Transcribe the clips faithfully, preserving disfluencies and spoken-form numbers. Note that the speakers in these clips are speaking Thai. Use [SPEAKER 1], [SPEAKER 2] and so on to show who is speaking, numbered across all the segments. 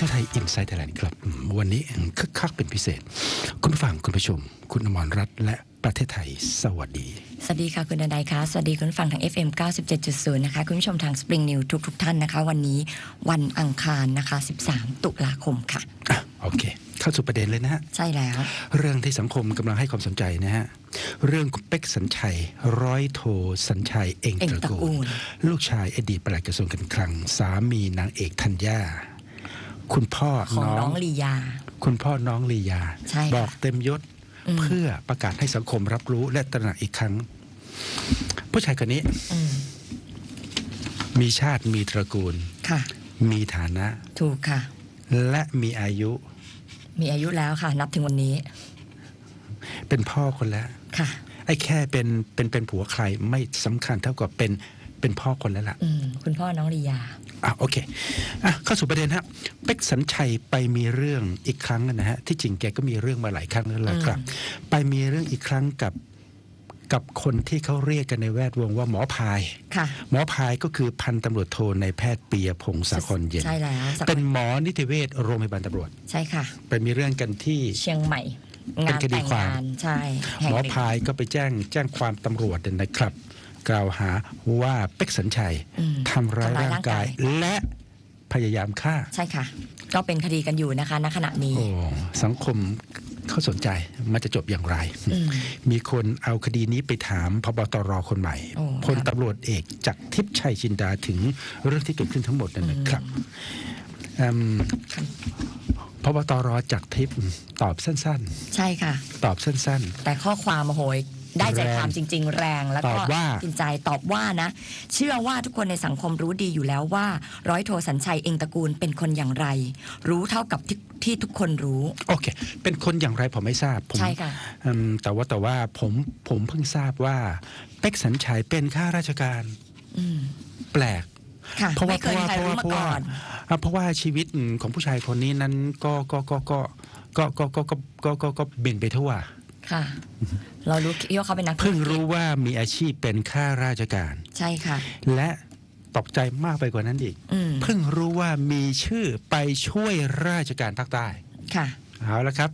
[SPEAKER 1] ทไทยอินไซต์ไทยแลนด์ครับวันนี้คึกคักเป็นพิเศษคุณฟังคุณผู้ชมคุณอมรรัตน์และประเทศไทยสวัสดี
[SPEAKER 2] สวัสดีค่ะคุณดนัยค่ะสวัสดีคุณฟังทาง เอฟ เอ็ม เก้าสิบเจ็ดจุดศูนย์ นะคะคุณผู้ชมทาง Spring News ทุกทุกท่านนะคะวันนี้วันอังคารนะคะสิบสามตุลาคมค่ะ
[SPEAKER 1] อ่ะโอเคเข้าสู่ประเด็นเลยนะฮะ
[SPEAKER 2] ใช่แล้ว
[SPEAKER 1] เรื่องที่สังคมกำลังให้ความสนใจนะฮะเรื่องคุณเป๊กสัญชัยร้อยโทสัญชัยเอ็งตระกูลลูกชายอดีตปลัดกระทรวงการคลังสามีนางเอกธัญญาคุณพ่อ
[SPEAKER 2] ของน้องลียา
[SPEAKER 1] คุณพ่อน้องลียาบอกเต็มยศเพื่อประกาศให้สังคมรับรู้และตระหนักอีกครั้งผู้ชายคนนี้มีชาติมีตระกูลมีฐานะ
[SPEAKER 2] ถูกค่ะ
[SPEAKER 1] และมีอายุ
[SPEAKER 2] มีอายุแล้วค่ะนับถึงวันนี้
[SPEAKER 1] เป็นพ่อคนแล้ว
[SPEAKER 2] ค่ะ
[SPEAKER 1] ไอ้แค่เป็นเป็นเป็นผัวใครไม่สำคัญเท่ากับเป็นเป็นพ่อคนแล้วล่ะ
[SPEAKER 2] คุณพ่อน้องลียา
[SPEAKER 1] อ่ะโอเคอ่ะเข้าสู่ประเด็นฮะเป๊กสัญชัยไปมีเรื่องอีกครั้งนะฮะที่จริงแกก็มีเรื่องมาหลายครั้งแล้วล่ะครับไปมีเรื่องอีกครั้งกับกับคนที่เขาเรียกกันในแวดวงว่าหมอพายหมอพายก็คือพันตำรวจโทในแพทย์ปียพงศ์สาครเย็น
[SPEAKER 2] ใช่แล้ว
[SPEAKER 1] เป็นหมอนิติเวชโรงพยาบาลตำรวจ
[SPEAKER 2] ใช่ค่ะ
[SPEAKER 1] ไปมีเรื่องกันที่
[SPEAKER 2] เชียงใหม่
[SPEAKER 1] งานแต่งงาน
[SPEAKER 2] ใช่
[SPEAKER 1] หมอพายก็ไปแจ้งแจ้งความตำรวจนะครับกล่าวหาว่าเป๊กสัญชัยทำร้ายร่างกายและพยายามฆ่า
[SPEAKER 2] ใช่ค่ะก็เป็นคดีกันอยู่นะคะณขณะนี้
[SPEAKER 1] โอ้สังคมเขาสนใจมันจะจบอย่างไรมีคนเอาคดีนี้ไปถามพบตรคนใหม่พลตำรวจเอกจักรทิพย์ชัยจินดาถึงเรื่องที่เกิดขึ้นทั้งหมดนั่นนะครับพบตรจักรทิพย์ตอบสั้น
[SPEAKER 2] ๆใช่ค่ะ
[SPEAKER 1] ตอบสั้น
[SPEAKER 2] ๆแต่ข้อความโหยได้ใจความจริงๆแรงแล้วก็จริงใจตอบว่านะเชื่อว่าทุกคนในสังคมรู้ดีอยู่แล้วว่าร้อยโทสัญชัยเอ็งตระกูลเป็นคนอย่างไรรู้เท่ากับที่ที่ทุกคนรู้
[SPEAKER 1] โอเคเป็นคนอย่างไรผมไม่ทราบ
[SPEAKER 2] ใช่ค่ะ
[SPEAKER 1] แต่ว่าแต่ว่าผมผมเพิ่งทราบว่าเป๊กสัญชัยเป็นข้าราชการแปลก
[SPEAKER 2] เพราะว่าเพราะว่าเพราะว่าเพราะว่า
[SPEAKER 1] เพราะว่าชีวิตของผู้ชายคนนี้นั้นก็ก็ก็ก็ก็ก็ก็ก็ก็ก็เบนไปทั่ว
[SPEAKER 2] ค่ะเรารู้ว่าเขาเป็นนัก
[SPEAKER 1] เพิ่งรู้ว่ามีอาชีพเป็นข้าราชการ
[SPEAKER 2] ใช่ค่ะ
[SPEAKER 1] และตกใจมากไปกว่านั้นอีกเพิ่งรู้ว่ามีชื่อไปช่วยราชการภาคใต้
[SPEAKER 2] ค่ะ
[SPEAKER 1] เอาละครับ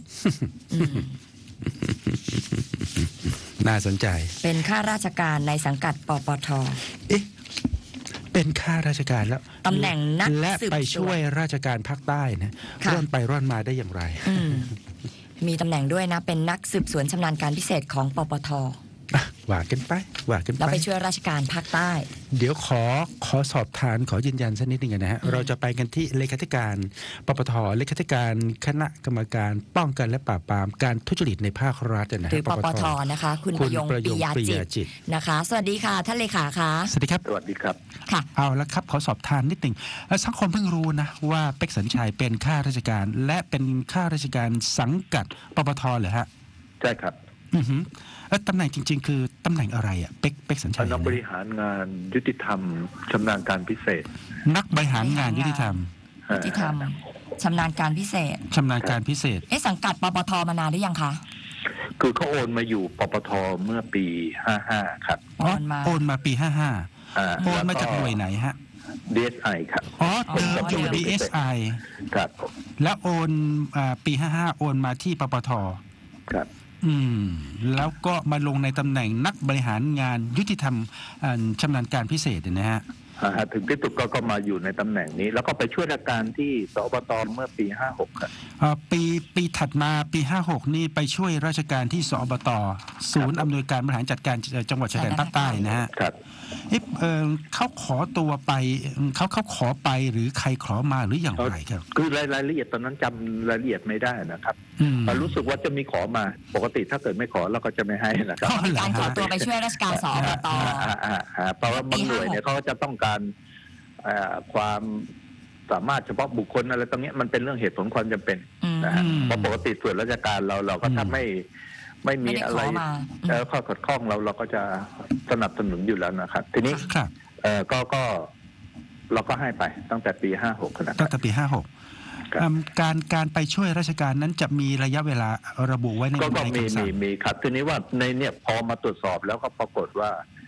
[SPEAKER 1] น่าสนใจ
[SPEAKER 2] เป็นข้าราชการในสังกัดปปท
[SPEAKER 1] เอ๊ะเป็นข้าราชการแล้ว
[SPEAKER 2] ตำแหน่งนัก
[SPEAKER 1] และไปช่วยราชการภาคใต้นะร่อนไปร่อนมาได้อย่างไร
[SPEAKER 2] มีตำแหน่งด้วยนะเป็นนักสืบสวนชำนาญการพิเศษของปปท
[SPEAKER 1] ว่ากันไปว่ากันไป
[SPEAKER 2] แล้วไปช่วยราชการภาคใต้
[SPEAKER 1] เดี๋ยวขอขอสอบทานขอยืนยันสักนิดนึงนะฮะเราจะไปกันที่เลขาธิการปปทเลขาธิการคณะกรรมการป้องกันและปราบปรามการทุจริตในภาครัฐนะฮะ
[SPEAKER 2] หรือปปทนะคะคุณประยงปิยาจิตนะคะสวัสดีค่ะท่านเลขาค่ะ
[SPEAKER 1] สวัสดีครับ
[SPEAKER 3] สวัสดีครับ
[SPEAKER 2] ค่ะ
[SPEAKER 1] เอาละครับขอสอบทานนิดนึงสังคมเพิ่งรู้นะว่าเป๊กสัญชัยเป็นข้าราชการและเป็นข้าราชการสังกัดปปทเหรอฮะ
[SPEAKER 3] ใช่ครับ
[SPEAKER 1] อือฮึแล้วตำแหน่งจริงๆคือตำแหน่งอะไรอ่ะเป๊กเป๊กสัญชัย
[SPEAKER 3] นักบริหารงานยุติธรรมชำนาญการพิเศษ
[SPEAKER 1] นักบริหารงานยุติธรรม
[SPEAKER 2] ยุติธรรมชำนาญการพิเศษ
[SPEAKER 1] ชำนาญการพิเศษ
[SPEAKER 2] เอ๊ะสังกัดปปทมานานหรือยังคะ
[SPEAKER 3] คือเขาโอนมาอยู่ปปทเมื่อปีห้าห้าครับ
[SPEAKER 2] โอนมา
[SPEAKER 1] โอนมาปีห้าห้าโอนมาจากหน่วยไหนฮะ
[SPEAKER 3] ดี เอส ไอ ครับ
[SPEAKER 1] อ๋อเดิมอยู่ ดี เอส ไอ
[SPEAKER 3] ครับ
[SPEAKER 1] แล้วโอนปีห้าห้าโอนมาที่ปปท
[SPEAKER 3] ครับ
[SPEAKER 1] อืมแล้วก็มาลงในตำแหน่งนักบริหารงานยุติธรรมชำนาญการพิเศษนะฮะ
[SPEAKER 3] ถึงที่สุดก็มาอยู่ในตำแหน่งนี้แล้วก็ไปช่วยราชการที่สอบตเมื่อปีห้าหกครับ
[SPEAKER 1] ปีปีถัดมาปีห้าหกนี่ไปช่วยราชการที่สอบตศูนย์อำนวยการบริหารจัดการจังหวัดชายแดนภาคใต้นะฮะ
[SPEAKER 3] ครับ
[SPEAKER 1] เออเขาขอตัวไปเขาเขาขอไปหรือใครขอมาหรืออย่างไรครับ
[SPEAKER 3] คือรายรายละเอียดตอนนั้นจำรายละเอียดไม่ได้นะครับรู้สึกว่าจะมีขอมาปกติถ้าเกิดไม่ขอเราก็จะไม่ให้นะครับ
[SPEAKER 2] การขอตัวไปช่วยราชการสอบต
[SPEAKER 3] เพราะว่าบางหน่วยเนี่ยเขาจะต้องการความสามารถเฉพาะบุคคลอะไรตรงนี้มันเป็นเรื่องเหตุผลความจำเป็นนะฮะเพราะปกติส่วนราชการเราเราก็ถ้าไม่ไม่มีอะไรแล้วข้อขัดข้องเราเราก็จะสนับสนุนอยู่แล้วนะครับทีนี้เออก็ก็เราก็ให้ไปตั้งแต่ปีห้าหกนะครับ
[SPEAKER 1] ตั้งแต่ปีห้าหกการการไปช่วยราชการนั้นจะมีระยะเวลาระบุไว้ใน
[SPEAKER 3] ก็มีมีมีครับทีนี้ว่าในเนี่ยพอมาตรวจสอบแล้วก็ปรากฏว่า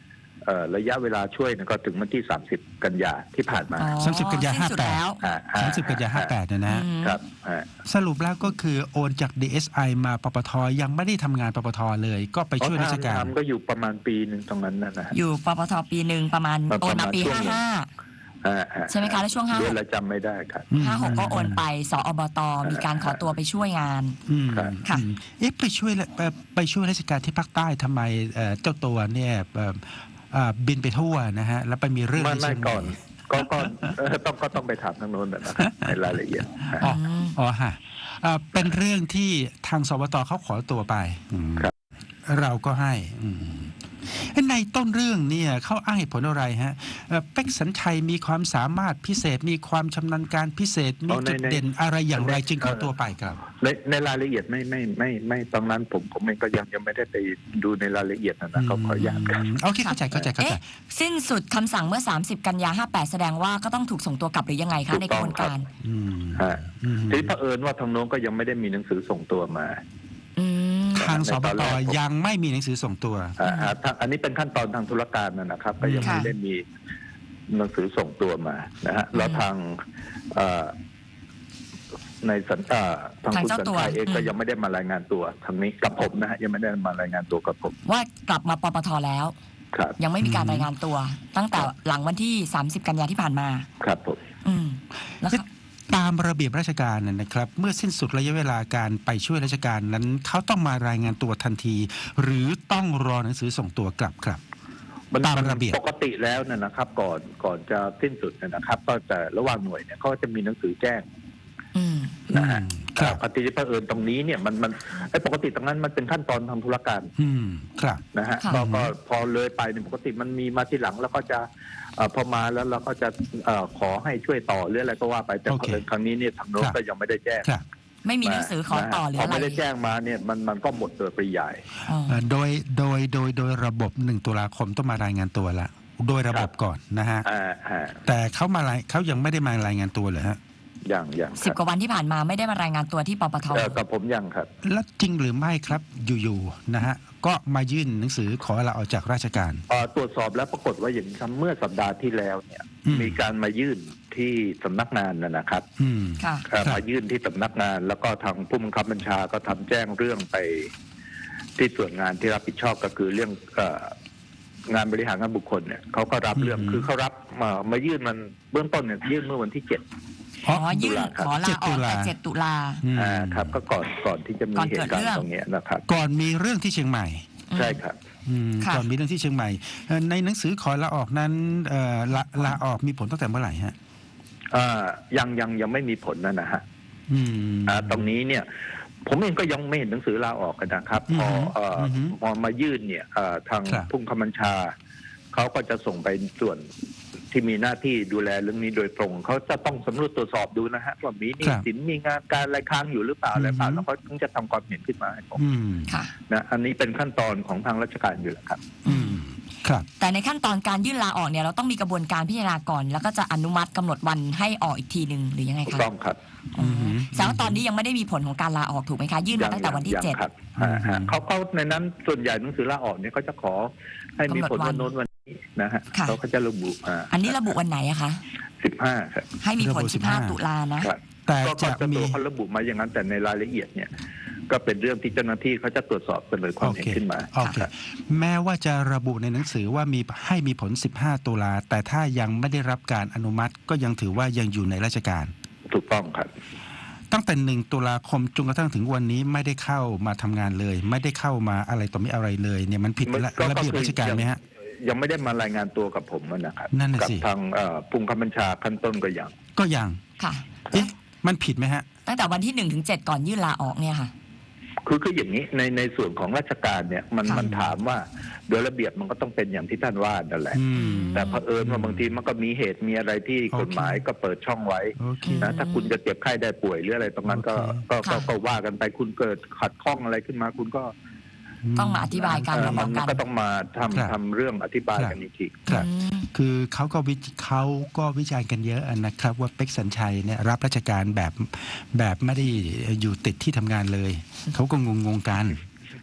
[SPEAKER 3] เอ่อระยะเวลาช่วยเนี่ยก็ถึงวันที่สามสิบกันยาที่ผ่านมา
[SPEAKER 2] อ๋อ
[SPEAKER 1] สามสิบกันยา
[SPEAKER 2] สิ้นสุดแล้ว
[SPEAKER 3] อ่า
[SPEAKER 1] สามสิบกันยาห้าแปดเนี่ยนะ
[SPEAKER 2] อืม
[SPEAKER 3] ครับอ่า
[SPEAKER 1] สรุปแล้วก็คือโอนจาก ดี เอส ไอ มาปปทยังไม่ได้ทำงานปปทเลย ก็ไปช่วยราชการ
[SPEAKER 3] ทำก็อยู่ประมาณปีหนึ่งตรงนั้นนะนะฮะ
[SPEAKER 2] อยู่ปปทปีหนึ่งประมาณ
[SPEAKER 3] ประมาณ
[SPEAKER 2] โอนมาปี
[SPEAKER 3] ช่วง
[SPEAKER 2] ห้า
[SPEAKER 3] หนึ่ง
[SPEAKER 2] ห้า
[SPEAKER 3] อ่าอ่า
[SPEAKER 2] ใช่ไหมคะแล้วช่วงห้า
[SPEAKER 3] เดือนละจำไม่ได้ครับ
[SPEAKER 1] อืม
[SPEAKER 2] ห้าหกก็โอนไปสอบตมีการขอตัวไปช่วยงาน
[SPEAKER 1] อืม
[SPEAKER 3] ครับ
[SPEAKER 2] ค่ะ
[SPEAKER 1] อืมเอ๊ะไปช่วยเอ่อไปช่วยราชการที่ภาคใต้ทำไมเอ่อเจ้าตัวเนี่ยเอ่อเอ่อบินไปทั่วนะฮะแล้วไปมีเรื่อง
[SPEAKER 3] ไม่
[SPEAKER 1] ที่
[SPEAKER 3] ไม่
[SPEAKER 1] เชียงให
[SPEAKER 3] ก่
[SPEAKER 1] ม่
[SPEAKER 3] อนก็ก็เอ่อต้องก็ต้องไปถามทางโน้นนะครับในรายละเอียด
[SPEAKER 1] อ๋ออ๋อฮะเอ่อเป็นเรื่องที่ทางสบตเขาขอตัวไปอืม
[SPEAKER 3] ครับ
[SPEAKER 1] เราก็ให้อืมในต้นเรื่องเนี่ยเขาอ้างเหตุผลอะไรฮะเอ่อเป็กสัญชัยมีความสามารถพิเศษมีความชำนาญการพิเศษมี
[SPEAKER 3] เอาใน
[SPEAKER 1] จุด
[SPEAKER 3] ใน
[SPEAKER 1] เด่นอะไรอย่างไร
[SPEAKER 3] ใน
[SPEAKER 1] จึงขอตัวไปครับ
[SPEAKER 3] ในในรายละเอียดไม่ไม่ไม่ไม่ตรงนั้นผมผมเองก็ยังยังไม่ได้ไปดูในรายละเอียดนะนะก็ขออนุญาตครับ
[SPEAKER 1] มโอเคเข้าใจเข้าใจเข้าใจ
[SPEAKER 2] เอ๊ะสิ้นสุดคำสั่งเมื่อ สามสิบกันยาห้าแปดแสดงว่าก็ต้องถูกส่งตัวกลับหรือยังไง
[SPEAKER 3] ถู
[SPEAKER 2] คะ
[SPEAKER 3] ก
[SPEAKER 2] ใน
[SPEAKER 3] ต้
[SPEAKER 2] ก
[SPEAKER 3] อง
[SPEAKER 2] ระบวนการ
[SPEAKER 3] ครับ
[SPEAKER 1] อืม
[SPEAKER 3] ฮะ
[SPEAKER 1] อืม
[SPEAKER 3] ทีนี้เผอิญว่าทางโน้นก็ยังไม่ได้มีหนังสือส่งตัวมา
[SPEAKER 2] อืม
[SPEAKER 1] ทางสบ
[SPEAKER 3] ในตอน
[SPEAKER 1] ต
[SPEAKER 3] แรกผม
[SPEAKER 1] ยังไม่มีหนังสือส่งตัว
[SPEAKER 3] อ่าฮะทางอันนี้เป็นขั้นตอนทางธุรการนะนะครับ ก็ยัง
[SPEAKER 2] ค่ะ
[SPEAKER 3] ไม่ได้มีหนังสือส่งตัวมานะฮะแล้วทางเอ่อในสัญชาทาง
[SPEAKER 2] ทาง
[SPEAKER 3] คุณ
[SPEAKER 2] เจ้า
[SPEAKER 3] สัญ
[SPEAKER 2] ตัว
[SPEAKER 3] ชัยเองก็
[SPEAKER 2] อืม
[SPEAKER 3] ยังไม่ได้มารายงานตัวทางนี้กับผมนะฮะยังไม่ได้มารายงานตัวกับผม
[SPEAKER 2] ว่ากลับมาปปทแล้ว
[SPEAKER 3] ครับ
[SPEAKER 2] ยังไม่มีการรายงานตัว ตั้งแต่หลังวันที่ สามสิบกันยาที่ผ่านมา
[SPEAKER 3] ครับผม
[SPEAKER 2] อืมแล้วค่ะ
[SPEAKER 1] ตามระเบียบราชการน่ะนะครับ เมื่อสิ้นสุดระยะเวลาการไปช่วยราชการนั้นเขาต้องมารายงานตัวทันที หรือต้องรอหนังสือส่งตัวกลับครับ
[SPEAKER 3] มัน
[SPEAKER 1] ตามระเบียบ
[SPEAKER 3] ปกติแล้วเนี่ยนะครับ ก่อนก่อนจะสิ้นสุดเนี่ยนะครับ ก็จะระหว่างหน่วยเนี่ยเขาจะมีหนังสือแจ้ง
[SPEAKER 2] อืม
[SPEAKER 3] นะฮะ
[SPEAKER 1] อืมครับ
[SPEAKER 3] ปฏิทินเผอิญตรงนี้เนี่ยมันมันไอ้ปกติตรงนั้นมันเป็นขั้นตอนทางธุรการ
[SPEAKER 1] อืมครับ
[SPEAKER 3] นะฮะ
[SPEAKER 2] ค่ะ
[SPEAKER 3] ก็ก็พอเลยไปเนี่ยปกติมันมีมาทีหลังแล้วก็จะเอ่อพอมาแล้วเราก็จะเอ่อขอให้ช่วยต่อหรืออะไรก็ว่าไปแต่
[SPEAKER 1] โอ
[SPEAKER 3] เผ
[SPEAKER 1] เค
[SPEAKER 3] อิญครั้งนี้เนี่ยทางโน้น
[SPEAKER 1] ครับ
[SPEAKER 3] ก็ยังไม่ได้แจ้ง
[SPEAKER 1] ครับ
[SPEAKER 2] ไม่มีหนังสือขอต่อหรือ
[SPEAKER 3] พอ
[SPEAKER 2] อะไร
[SPEAKER 3] ไม่ได้แจ้งมาเนี่ยมันมันก็หมดโดยปริยาย
[SPEAKER 2] อ๋อ
[SPEAKER 1] เอ่อโดยโดยโดยโดยระบบหนึ่งตุลาคมต้องมารายงานตัวละโดยระบบก่อนนะฮะ
[SPEAKER 3] อ่าอ่า
[SPEAKER 1] แต่เขามารายเขายังไม่ได้มารายงานตัวเหรอฮะ
[SPEAKER 3] อย่างอย่าง
[SPEAKER 2] สิบกว่าวันที่ผ่านมาไม่ได้มารายงานตัวที่ปปท
[SPEAKER 3] เออกับผมยังครับ
[SPEAKER 1] แล้วจริงหรือไม่ครับอยู่ๆนะฮะก็มายื่นหนังสือขอลาออกจากราชการ
[SPEAKER 3] เอ่อตรวจสอบแล้วปรากฏว่าอย่างนี้ครับเมื่อสัปดาห์ที่แล้วเนี่ย
[SPEAKER 1] อืม
[SPEAKER 3] มีการมายื่นที่สำนักงานนะนะครับ
[SPEAKER 1] อืม
[SPEAKER 2] ค่ะ
[SPEAKER 3] เอ่อ
[SPEAKER 1] ครับ
[SPEAKER 3] มายื่นที่สำนักงาน แล้วก็ทางผู้บังคับบัญชาก็ทำแจ้งเรื่องไปที่ส่วนงานที่รับผิดชอบก็คือเรื่องเอ่องานบริหารงานบุคคลเนี่ยเขาก็รับเรื่อง
[SPEAKER 1] อืม
[SPEAKER 3] คือเขารับมามายื่นมันเบื้องต้นเนี่ยยื่นเมื่อวันที่เจ็ด
[SPEAKER 2] ขอยื่น
[SPEAKER 3] ตุลาครับ
[SPEAKER 2] ขอลาออกแต่
[SPEAKER 1] เจ็
[SPEAKER 2] เจ็
[SPEAKER 1] ด
[SPEAKER 2] ด
[SPEAKER 1] ตุ
[SPEAKER 2] ตุ
[SPEAKER 1] ลา
[SPEAKER 2] ลา
[SPEAKER 1] อืม
[SPEAKER 3] อ่าครับ ก็ก่อนก่อนที่จะมี
[SPEAKER 2] ก่อน
[SPEAKER 3] เห
[SPEAKER 2] เกิด
[SPEAKER 3] ตุการ
[SPEAKER 2] เรื่
[SPEAKER 3] ณ์
[SPEAKER 2] อง
[SPEAKER 3] ตรงเนี้ยนะครับ
[SPEAKER 1] ก่อนมีเรื่องที่เชียงใหม่
[SPEAKER 3] ใช่ครับ
[SPEAKER 1] อืม
[SPEAKER 2] ค่ะ
[SPEAKER 1] ก่อนมีเรื่องที่เชียงใหม่เอ่อในหนังสือขอลาออกนั้นเอ่อลาลาออกมีผลตั้งแต่เมื่อไหร่ฮะ
[SPEAKER 3] อ่ายังยังยังไม่มีผลนะนะฮะ
[SPEAKER 1] อืม
[SPEAKER 3] อ่าตรงนี้เนี่ย ผมเองก็ยังไม่เห็นหนังสือลาออกกันนะครับ พอเอ่ออ
[SPEAKER 1] อฮึ
[SPEAKER 3] พอมายื่นเนี่ยเอ่อทาง
[SPEAKER 1] ครับ
[SPEAKER 3] ผู้บังคับบัญชาเขาก็จะส่งไปส่วนที่มีหน้าที่ดูแลเรื่องนี้โดยตรงเขาจะต้องสำรวจตรวจสอบดูนะฮะว่ามีหนี้
[SPEAKER 1] ครับ
[SPEAKER 3] สินมีงานการอะไรค้างอยู่หรือเปล่าอะไรเปล่า
[SPEAKER 1] อือฮึ
[SPEAKER 3] แล้วก็ถึงจะทำความเห็นขึ้นมาให้ผม
[SPEAKER 1] อืม
[SPEAKER 2] ค่ะ
[SPEAKER 3] นะอันนี้เป็นขั้นตอนของทางราชการอยู่แล้วครับ
[SPEAKER 1] อืมครับ
[SPEAKER 2] แต่ในขั้นตอนการยื่นลาออกเนี่ยเราต้องมีกระบวนการพิจารณาก่อน แล้วก็จะอนุมัติกำหนดวันให้ออกอีกทีหนึ่งหรือยังไง
[SPEAKER 3] ถูก
[SPEAKER 2] คะ
[SPEAKER 3] ต้องครับ
[SPEAKER 2] อ๋อ
[SPEAKER 1] อืม
[SPEAKER 2] แสดงว่าตอนนี้ยังไม่ได้มีผลของการลาออกถูกไหมคะ ยื่นมาตั้งแต่วันที่
[SPEAKER 3] ยัง
[SPEAKER 2] เจ็ด
[SPEAKER 3] ครับ
[SPEAKER 1] อืม
[SPEAKER 3] อ่าฮะเขาเขาในนั้นส่วนใหญ่หนังสือลาออกเนี่ยเขาจะขอให้มีผล
[SPEAKER 2] กำหนดวั
[SPEAKER 3] วัน นโน้นวันนี้นะฮะ
[SPEAKER 2] ค่ะ
[SPEAKER 3] เขาก็จะระบุอ่า
[SPEAKER 2] อันนี้ระบุวันไหนอะคะ
[SPEAKER 3] สิบห้าครับ
[SPEAKER 2] ให้มีผล
[SPEAKER 1] ระบุ
[SPEAKER 2] สิบห้า
[SPEAKER 1] สิบห้า
[SPEAKER 2] ตุลานะ
[SPEAKER 3] ครับ
[SPEAKER 1] แต่
[SPEAKER 3] ก็
[SPEAKER 1] จะ
[SPEAKER 3] ก็
[SPEAKER 1] มี
[SPEAKER 3] ตัวเขาระบุมาอย่างนั้นแต่ในรายละเอียดเนี่ย ก็เป็นเรื่องที่เจ้าหน้าที่เขาจะตรวจสอบเสนอความ
[SPEAKER 1] โอ
[SPEAKER 3] เห็น
[SPEAKER 1] เค
[SPEAKER 3] ขึ้นมา
[SPEAKER 1] โอเค
[SPEAKER 3] ครับ
[SPEAKER 1] แม้ว่าจะระบุในหนังสือว่ามีให้มีผล สิบห้า ตุลาแต่ถ้ายังไม่ได้รับการอนุมัติก็ยังถือว่ายังอยู่ในราชการ
[SPEAKER 3] ถูกต้องครับ
[SPEAKER 1] ตั้งแต่หนึ่งตุลาคมจนกระทั่งถึงวันนี้ไม่ได้เข้ามาทำงานเลย ไม่ได้เข้ามาอะไรต่อไม่อะไรเลยเนี่ยมันผิด
[SPEAKER 3] มัน
[SPEAKER 1] ระ
[SPEAKER 3] ก็
[SPEAKER 1] ระเบียบ
[SPEAKER 3] ก็คือ
[SPEAKER 1] ราชการไหมฮะ
[SPEAKER 3] ยังไม่ได้มารายงานตัวกับผมนะครับ
[SPEAKER 1] นั่นน่ะ
[SPEAKER 3] กั
[SPEAKER 1] สิ
[SPEAKER 3] ทางเอ่อผู้บังคับบัญชาขั้นต้นก็ยัง
[SPEAKER 1] ก็ยัง
[SPEAKER 2] ค่ะ
[SPEAKER 1] เอ๊ะมันผิดไหมฮะ
[SPEAKER 2] ตั้งแต่วันที่หนึ่งถึงเจ็ดก่อนยื่นลาออกเนี่ยค่ะ
[SPEAKER 3] คือคืออย่างนี้ในในส่วนของราชการเนี่ยมัน
[SPEAKER 2] ค่ะ
[SPEAKER 3] มันถามว่าโดยระเบียบมันก็ต้องเป็นอย่างที่ท่านว่านั่นแหละ
[SPEAKER 1] อืม
[SPEAKER 3] แต่เผอิญว่าบางทีมันก็มีเหตุมีอะไรที่
[SPEAKER 1] โอเค
[SPEAKER 3] กฎหมายก็เปิดช่องไว้
[SPEAKER 1] โอเค
[SPEAKER 3] นะถ้าคุณจะเจ็บไข้ได้ป่วยหรืออะไรตรงนั้นก็
[SPEAKER 1] โอเค
[SPEAKER 3] ก็ก็
[SPEAKER 2] ค่ะ
[SPEAKER 3] ก็ว่ากันไปคุณเกิดขัดข้องอะไรขึ้นมาคุณก็
[SPEAKER 2] ต้องมาอธิบายกัน
[SPEAKER 3] เอ่อ
[SPEAKER 2] มาบ
[SPEAKER 3] มั
[SPEAKER 2] อก
[SPEAKER 3] น
[SPEAKER 2] กัน
[SPEAKER 3] ก็ต้องมาทำ
[SPEAKER 1] ครับ
[SPEAKER 3] ทำเรื่องอธิบาย
[SPEAKER 1] ครับ
[SPEAKER 3] กันอีกที
[SPEAKER 1] ครับ
[SPEAKER 2] อืม
[SPEAKER 1] คือเขาก็วิเขาก็วิจารณ์กันเยอะนะครับ ว่าเป็กสัญชัยเนี่ยรับราชการแบบแบบไม่ได้อยู่ติดที่ทำงานเลย เขาก็งงงๆกัน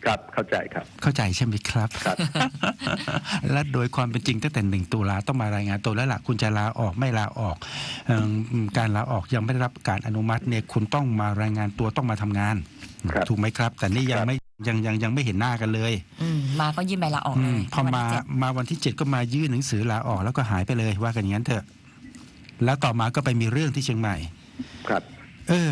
[SPEAKER 3] ครับเข้าใจครับ
[SPEAKER 1] เข้าใจใช่ไหมครับ
[SPEAKER 3] ครับ
[SPEAKER 1] และโดยความเป็นจริงตั้งแต่หนึ่งตุลาต้องมารายงานตัวแล้วล่ะคุณจะลาออกไม่ลาออกเอิ่มการลาออกยังไม่ได้รับการอนุมัติเนี่ยคุณต้องมารายงานตัวต้องมาทำงาน
[SPEAKER 3] ครับ
[SPEAKER 1] ถูกไหมครับ แต่นี่ยัง
[SPEAKER 3] ครับ
[SPEAKER 1] ไม่ยังยังยังไม่เห็นหน้ากันเลย
[SPEAKER 2] อืมมาก็ยื่นใบลาออก
[SPEAKER 1] อื
[SPEAKER 2] เล
[SPEAKER 1] ม
[SPEAKER 2] ย
[SPEAKER 1] พอ
[SPEAKER 2] วัน
[SPEAKER 1] มา
[SPEAKER 2] ที่เจ็ด
[SPEAKER 1] มาวันที่เจ็ดก็มายื่นหนังสือลาออกแล้วก็หายไปเลยว่ากันอย่างนั้นเถอะแล้วต่อมาก็ไปมีเรื่องที่เชียงใหม่
[SPEAKER 3] ครับ
[SPEAKER 1] เออ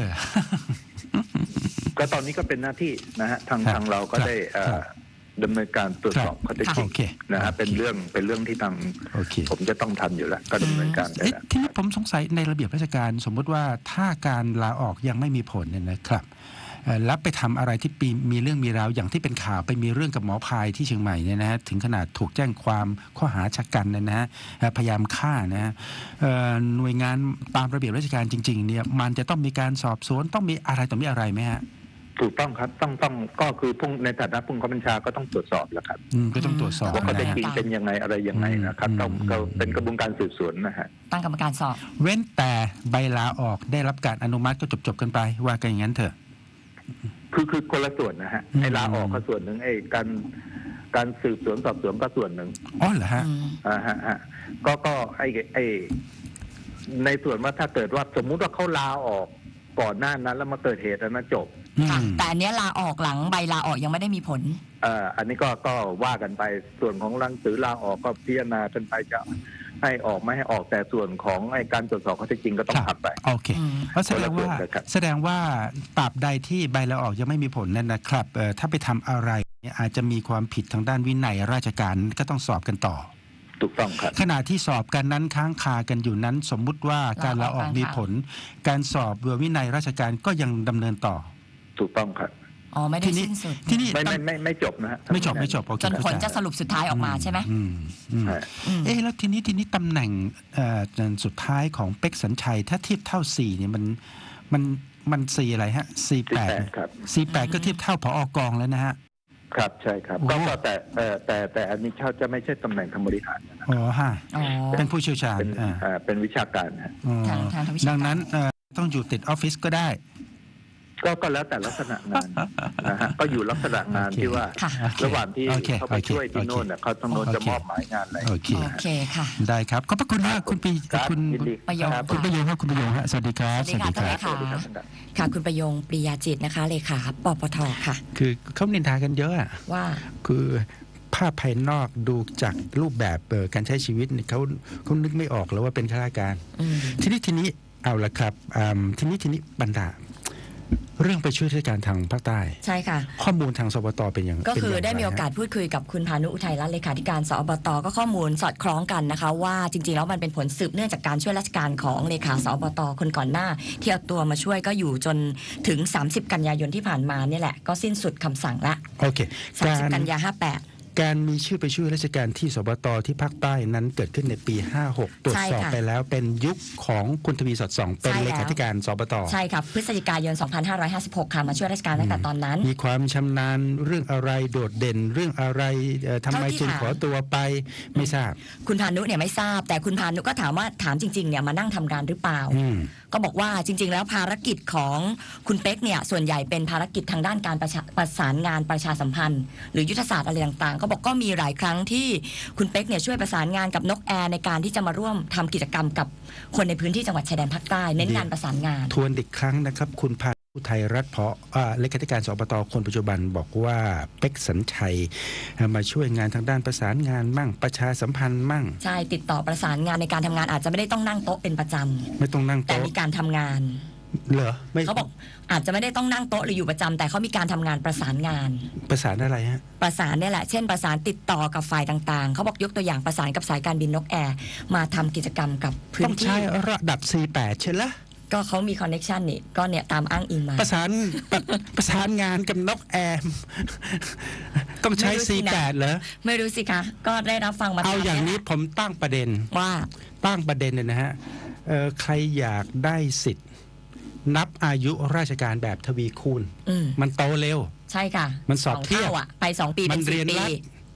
[SPEAKER 3] ก็ตอนนี้ก็เป็นหน้าที่นะฮะทาง
[SPEAKER 1] ครับ
[SPEAKER 3] ทางเราก็
[SPEAKER 1] ครับ
[SPEAKER 3] ได้เอ่อ
[SPEAKER 1] ครับ
[SPEAKER 3] ดำเนินการตรวจสอบข้อเท็จจริ
[SPEAKER 1] โอง เค
[SPEAKER 3] นะฮะ
[SPEAKER 1] โอเค
[SPEAKER 3] เป็นเรื่องเป็นเรื่องที่ทาง
[SPEAKER 1] โอเค
[SPEAKER 3] ผมจะต้องทำอยู่แล้ว ก็ดำเนินการไป
[SPEAKER 1] เอ๊ะ
[SPEAKER 3] แล้ว
[SPEAKER 1] ทีนี้ผมสงสัยในระเบียบราชการสมมุติว่าถ้าการลาออกยังไม่มีผลเนี่ยนะครับเอ่อแล้วไปทำอะไรที่ปีมีเรื่องมีราวอย่างที่เป็นข่าวไปมีเรื่องกับหมอพายที่เชียงใหม่เนี่ยนะฮะถึงขนาดถูกแจ้งความข้อหาชะกันเนี่ยนะฮะเอ่อพยายามฆ่านะฮะเอ่อหน่วยงานตามระเบียบราชการจริงๆเนี่ยมันจะต้องมีการสอบสวนต้องมีอะไรต่อมีอะไรไหมฮะ
[SPEAKER 3] ถูกต้องครับต้องต้องก็คือผู้ในฐานะผู้บังคับบัญชาก็ต้องตรวจสอบแหล้วครับ
[SPEAKER 1] อืมก็ต้องตรวจสอบ
[SPEAKER 3] ว่าข้อเท็จ
[SPEAKER 1] นะ
[SPEAKER 3] จริง
[SPEAKER 1] ฮะ
[SPEAKER 3] เป็นยังไงอะไรยังไงนะครับ
[SPEAKER 1] อืม
[SPEAKER 3] ต้อง
[SPEAKER 1] อืม
[SPEAKER 3] ก็เป็นกระบวนการสืบสวนนะฮะ
[SPEAKER 2] ตั้งกรรมการสอบ
[SPEAKER 1] เว้นแต่ใบลาออกได้รับการอนุมัติก็จบๆกันไปว่ากันอย่างนั้นเถอะ
[SPEAKER 3] คือคือคนละส่วนนะฮะ
[SPEAKER 1] อืม
[SPEAKER 3] ไอ้ลาออกก็ส่วนหนึ่งไอ้การการสืบสวนสอบสวนก็ส่วนหนึ่ง
[SPEAKER 1] อ๋อเหรอฮะ
[SPEAKER 2] อืม
[SPEAKER 3] อ่าฮะฮะก็ก็ไอ้ไอ้ในส่วนว่าถ้าเกิดว่าสมมุติว่าเขาลาออกก่อนหน้านั้นแล้วมาเกิดเหตุแล้วนะจบ
[SPEAKER 2] ค่ะ
[SPEAKER 1] อืม
[SPEAKER 2] แต่อันเนี้ยลาออกหลังใบลาออกยังไม่ได้มีผล
[SPEAKER 3] เอ่ออันนี้ก็ก็ว่ากันไปส่วนของหนังสือลาออกก็พิจารณากันไปจะให้ออกไม่ให้ออกแต่ส่วนของไอ้การตรวจสอบข้อเท็จจริงก็ต้อง
[SPEAKER 1] ครับ
[SPEAKER 3] ทำไป
[SPEAKER 1] โอเค
[SPEAKER 2] อืม
[SPEAKER 1] เพราะแสดงว่า
[SPEAKER 3] คนละส่วนกันครับ
[SPEAKER 1] แสดงว่าตราบใดที่ใบลาออกยังไม่มีผลนั่นนะครับเอ่อถ้าไปทำอะไรเนี่ยอาจจะมีความผิดทางด้านวินัยราชการก็ต้องสอบกันต่อ
[SPEAKER 3] ถูกต้องครับ
[SPEAKER 1] ขณะที่สอบกันนั้นค้างคากันอยู่นั้น สมมุติว่าการลาออกมีผล การสอบวินัยราชการก็ยังดำเนินต่อ
[SPEAKER 3] ถูกต้องครับ
[SPEAKER 2] อ๋อไม่ได้
[SPEAKER 1] ทีนี้
[SPEAKER 2] สิ้นสุด
[SPEAKER 1] ที่นี่
[SPEAKER 3] ไม่
[SPEAKER 1] ตั้
[SPEAKER 3] ไม่
[SPEAKER 1] ง
[SPEAKER 3] ไม่ไม่จบนะฮะ
[SPEAKER 1] ไม่จบไม่จบโอเค
[SPEAKER 2] จนผล
[SPEAKER 1] เข้าใจ
[SPEAKER 2] จะสรุปสุดท้ายออกมาใช่ไหม
[SPEAKER 1] อืมอืม
[SPEAKER 3] ฮะ
[SPEAKER 2] อืม
[SPEAKER 1] เอ๊ะแล้วทีนี้ทีนี้ตำแหน่งเอ่อสุดท้ายของเป็กสัญชัย ถ้าเทียบเท่าสี่เนี่ยมันมันมันสี่อะไรฮะสี่แปด
[SPEAKER 3] สี่แปดครับ
[SPEAKER 1] สี่แปดก็เทียบเท่าผอกองแล้วนะฮะ
[SPEAKER 3] ครับใช่ครับ
[SPEAKER 1] โอ้
[SPEAKER 3] ก็ก็แต่เอ่อแต่แต่อันนี้เขาจะไม่ใช่ตำแหน่งทางบริหารนะ
[SPEAKER 1] อ๋อฮะ
[SPEAKER 2] อ๋อ
[SPEAKER 1] เป็นผู้เชี่ยวชาญ
[SPEAKER 3] เป็น
[SPEAKER 1] อ่า
[SPEAKER 3] อ่าเป็นวิชาการนะ
[SPEAKER 1] อ๋อ
[SPEAKER 2] ทางทางทางวิชาการ
[SPEAKER 1] ดังนั้นเอ่อต้องอยู่ติดออฟฟิศก็ได้
[SPEAKER 3] ก็ก็แล้วแต่ลักษณะงานนะฮะก็อยู่ลักษณะงาน
[SPEAKER 1] โอเค
[SPEAKER 3] ที่ว่า
[SPEAKER 2] ค่ะ
[SPEAKER 1] โอเค
[SPEAKER 3] ระหว่างที่
[SPEAKER 1] โอเค
[SPEAKER 3] เขาไป
[SPEAKER 1] โอเค
[SPEAKER 3] ช่วยที่
[SPEAKER 1] โอเค
[SPEAKER 3] โน่นน่ะเขาต้องโน้น
[SPEAKER 1] โอเค
[SPEAKER 3] จะมอบหมายงานอะไร
[SPEAKER 1] โอเค
[SPEAKER 2] โอเคค่ะ
[SPEAKER 1] ได้ครับขอบพระคุณมากคุณปี
[SPEAKER 3] ครับ
[SPEAKER 1] คุณ
[SPEAKER 3] ยินดี
[SPEAKER 2] ประโยค
[SPEAKER 3] ครับ
[SPEAKER 1] คุณประโยงครับคุณประโยงฮะสวัสดีครับ
[SPEAKER 2] สวัสดีค่ะ
[SPEAKER 3] สวัสดีครับ
[SPEAKER 2] ค่ะคุณประยงปริยาจิตนะคะเลขาปปทค่ะ
[SPEAKER 1] คือเขานินทากันเยอะอะ
[SPEAKER 2] ว่า
[SPEAKER 1] คือภาพภายนอกดูจากรูปแบบเอ่อการใช้ชีวิตเนี่ยเขาเขานึกไม่ออกแล้วว่าเป็นข้าราชการ
[SPEAKER 2] อืม
[SPEAKER 1] ทีนี้ทีนี้เอาละครับอืมทีนี้ทีนี้บรรดาเรื่องไปช่วยราชการทางภาคใต้
[SPEAKER 2] ใช่ค่ะ
[SPEAKER 1] ข้อมูลทางสบตเป็นอย่าง
[SPEAKER 2] ก็คือ
[SPEAKER 1] เป็นย่งร
[SPEAKER 2] ได้มีโอกาส
[SPEAKER 1] ฮะ
[SPEAKER 2] พูดคุยกับคุณพานุอุทัยรัตน์เลขาธิการสอบตก็ข้อมูลสอดคล้องกันนะคะ ว่าจริงๆแล้วมันเป็นผลสืบเนื่องจากการช่วยราชการของเลขาสอบตคนก่อนหน้า ที่เอาตัวมาช่วยก็อยู่จนถึง สามสิบ กันยายนที่ผ่านมาเนี่ยแหละก็สิ้นสุดคำสั่งละ
[SPEAKER 1] โอเค
[SPEAKER 2] สาม
[SPEAKER 1] กา
[SPEAKER 2] สิบ
[SPEAKER 1] ร
[SPEAKER 2] กันยาห้าแปด
[SPEAKER 1] การมีชื่อไปช่วยราชการที่สบตที่ภาคใต้นั้นเกิดขึ้นในปี ห้าหก ตรวจสอบ
[SPEAKER 2] ใช่ค่ะ
[SPEAKER 1] ไปแล้วเป็นยุคของคุณทวีสอดส่อง เป็น
[SPEAKER 2] ใช่
[SPEAKER 1] เล
[SPEAKER 2] แล้ว
[SPEAKER 1] ขาธิการสบต
[SPEAKER 2] ใช่ครับพฤศจิกายน สองพันห้าร้อยห้าสิบหก ค่ะมาช่วยราชการตั้งแต่ตอนนั้น
[SPEAKER 1] มีความชำนาญเรื่องอะไรโดดเด่นเรื่องอะไรเอ่อทำไม
[SPEAKER 2] เท่าที่
[SPEAKER 1] จึง
[SPEAKER 2] ถาม
[SPEAKER 1] ขอตัวไปไม่ทราบ
[SPEAKER 2] คุณพานุเนี่ยไม่ทราบ แต่คุณพานุก็ถามว่าถามจริงๆเนี่ยมานั่งทำงานหรือเปล่า
[SPEAKER 1] อืม
[SPEAKER 2] ก็บอกว่าจริง ๆ แล้วภารกิจของคุณเป๊กเนี่ยส่วนใหญ่เป็นภารกิจทางด้านการประชาประสานงานประชาสัมพันธ์ หรือยุทธศาสตร์อะไรต่างๆ ก็บอกก็มีหลายครั้งที่คุณเป๊กเนี่ยช่วยประสานงานกับนกแอร์ในการที่จะมาร่วมทำกิจกรรมกับคนในพื้นที่จังหวัดชายแดนภาคใต้เน้นงานประสานงาน
[SPEAKER 1] ทวนอีกครั้งนะครับ คุณพานุไทยรัฐเพาะอ่าเลขาธิการสบตคนปัจจุบันบอกว่าเป็กสัญชัยมาช่วยงานทางด้านประสานงานมั่งประชาสัมพันธ์มั่ง
[SPEAKER 2] ใช่ติดต่อประสานงานในการทำงานอาจจะไม่ได้ต้องนั่งโต๊ะเป็นประจำ
[SPEAKER 1] ไม่ต้องนั่ง
[SPEAKER 2] แต่
[SPEAKER 1] โต๊ะ
[SPEAKER 2] มีการทำงาน
[SPEAKER 1] เหรอไม่
[SPEAKER 2] เขาบอกอาจจะไม่ได้ต้องนั่งโต๊ะหรืออยู่ประจำแต่เขามีการทำงานประสานงาน
[SPEAKER 1] ประสานอะไรฮะ
[SPEAKER 2] ประสานเนี่ยแหละ เช่นประสานติดต่อกับฝ่ายต่างๆ เขาบอกยกตัวอย่างประสานกับสายการบินนกแอร์มาทำกิจกรรมกับพื้
[SPEAKER 1] ต้อน ง
[SPEAKER 2] ที่
[SPEAKER 1] ใช้ระดับ สี่ แปด ใช่ละ
[SPEAKER 2] ก็เขามีคอนเน็ชันนี่ก็เนี่ยตามอ้างอิงมา
[SPEAKER 1] ประสานประประสานงานกับนกแอร์ต้องใช้
[SPEAKER 2] ไม่รู้สิ
[SPEAKER 1] สี่
[SPEAKER 2] นะ
[SPEAKER 1] แปด เหรอ
[SPEAKER 2] ไม่รู้สิคะ ก็ได้รับฟังมา
[SPEAKER 1] เอา
[SPEAKER 2] ตม
[SPEAKER 1] อย่างนี้
[SPEAKER 2] แหละ
[SPEAKER 1] ผมตั้งประเด็น
[SPEAKER 2] ว่า
[SPEAKER 1] ตั้งประเด็นเลยนะฮะเอ่อใครอยากได้สิทธิ์ นับอายุราชการแบบทวีคูณ
[SPEAKER 2] อืม
[SPEAKER 1] มันโตเร็ว
[SPEAKER 2] ใช่ค่ะ
[SPEAKER 1] มันสอบ
[SPEAKER 2] ง
[SPEAKER 1] เทียบ
[SPEAKER 2] ท่าอ่ะ ไปสองปี
[SPEAKER 1] มั
[SPEAKER 2] เป็น น
[SPEAKER 1] เรี
[SPEAKER 2] สี่
[SPEAKER 1] ยน
[SPEAKER 2] ปี
[SPEAKER 1] รัด